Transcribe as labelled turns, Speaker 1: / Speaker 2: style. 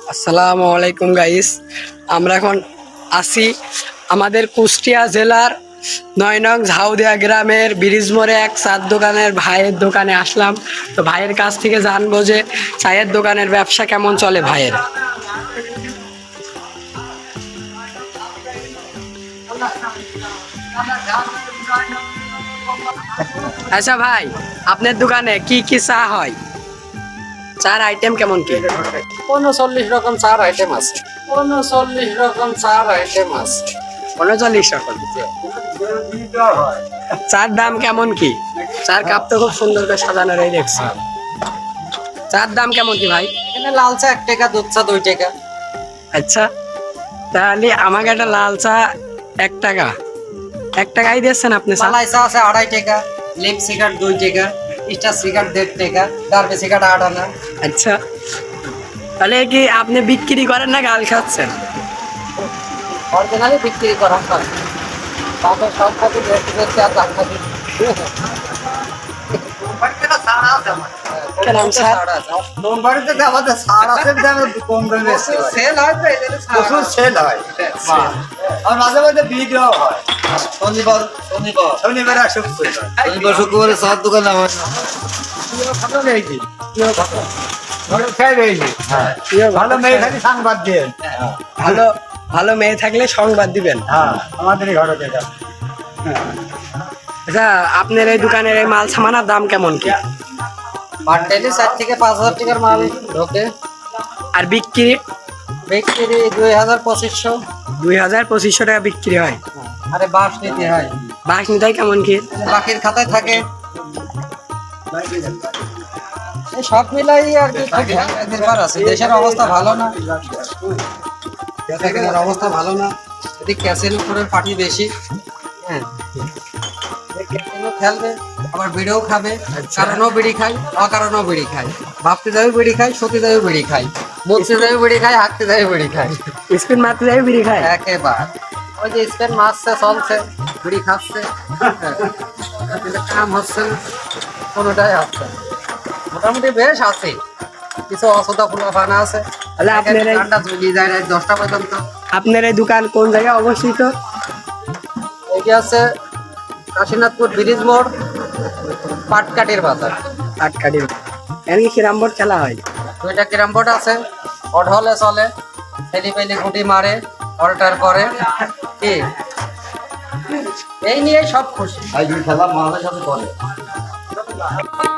Speaker 1: আসসালামু আলাইকুম গাইস, আমরা এখন আছি আমাদের কুষ্টিয়া জেলার ৯ নং ঝাউদিয়া গ্রামের ব্রিজ মোড়ে এক চার দোকানের ভাইয়ের দোকানে আসলাম। তো ভাইয়ের কাছ থেকে জানবো যে চায়ের দোকানের ব্যবসা কেমন চলে ভাইয়ের। আচ্ছা ভাই, আপনার দোকানে কি কি চা হয়? চার আইটেম কেমন কি?
Speaker 2: 39 রকম চার আইটেম আছে। 39 রকম চার আইটেম আছে।
Speaker 1: 39 রকম। চার দাম কেমন কি? চার কাপ তো খুব সুন্দর করে সাজানো রয়ে দেখছি। চার দাম কেমন কি ভাই?
Speaker 2: এখানে লাল চা 1 টাকা, দুধ চা 2 টাকা।
Speaker 1: আচ্ছা, তাহলে আমাকে একটা লাল চা 1 টাকা, 1 টাকাই দিচ্ছেন আপনি?
Speaker 2: মালাই চা আছে 2.5 টাকা, লিপ সিগারেট 2 টাকা, স্টার সিগারেট 1.5 টাকা, ডার্বি সিগারেট 8 আনা।
Speaker 1: আচ্ছা, তাহলে কি আপনি বিক্রি করেন না গাল খাচ্ছেন?
Speaker 2: অরিজিনালি বিক্রি করা হয়। তাতে সব খাতি বেশি আর দাম খাতি।
Speaker 1: কেন স্যার?
Speaker 3: বাড়িতে আমাদের সার আছে, কম দামে
Speaker 2: সেল হয় তো এদের
Speaker 3: প্রচুর সেল হয়। আর মাঝে মাঝে ভিডিও হয়। শনিবার আর শুক্রবারে চার দোকানে আমার ভালো মেয়ে থাকি সংবাদ দিয়ে।
Speaker 1: ভালো ভালো মেয়ে থাকলে সংবাদ দিবেন।
Speaker 3: হ্যাঁ, আমাদের ঘরে যেটা
Speaker 1: আচ্ছা, আপনার এই দোকানের এই মাল সামানার দাম কেমন কি?
Speaker 2: পার ডেলি 4 থেকে 5,000 টাকার মাল ঢোকে।
Speaker 1: আর বিক্রি?
Speaker 2: বিক্রি 2,000-2,500।
Speaker 1: 2,000-2,500 টাকা বিক্রি হয়।
Speaker 2: আরে বাস নিতে হয়,
Speaker 1: বাস নিতাই কেমন কি?
Speaker 2: বাকির খাতায় থাকে। এই সব মিলাই আর কি খুব নির্ভর আছে। দেশের অবস্থা ভালো না, দেশের অবস্থা ভালো না। এদিকে ক্যাসিনো করে পার্টি বেশি। হ্যাঁ, ক্যাসিনো খেলবে, আবার বিড়িও খাবে। কারণও বিড়ি খায়, অকারণও বিড়ি খায়। ভাবতে যাবে বিড়ি খায়, সত্যি যাবে বিড়ি খায়, বলতে যাবে বিড়ি খায়, হাঁটতে যাবে বিড়ি খায়।
Speaker 1: স্পিন মারতে যাই বিড়ি খায়
Speaker 2: একেবারে ওই যে স্পেন মারছে, চলছে, বিড়ি খাচ্ছে, কিন্তু কাম হচ্ছে না, কোনোটাই হচ্ছে না। মোটামুটি বেশ আছে, কিছু অসুবিধা ফুলাফানা আছে।
Speaker 1: তাহলে আপনার এই-
Speaker 2: ঠান্ডা চলে যায় রাত 10টা পর্যন্ত।
Speaker 1: আপনার এই দোকান কোন জায়গায় অবস্থিত?
Speaker 2: এইটি আছে কাশীনাথপুর ব্রিজ মোড়, পাটকাটির বাজার।
Speaker 1: আটকাটি। এমনি কিরাম বোর্ড খেলা হয়?
Speaker 2: 2টা ক্যারাম বোর্ড আছে, অড হলে চলে, ছেলে পেলে গুটি মারে, অল্টার করে। কি এই নিয়ে সব খুশি।
Speaker 3: খেলা মানুষের সাথে করে।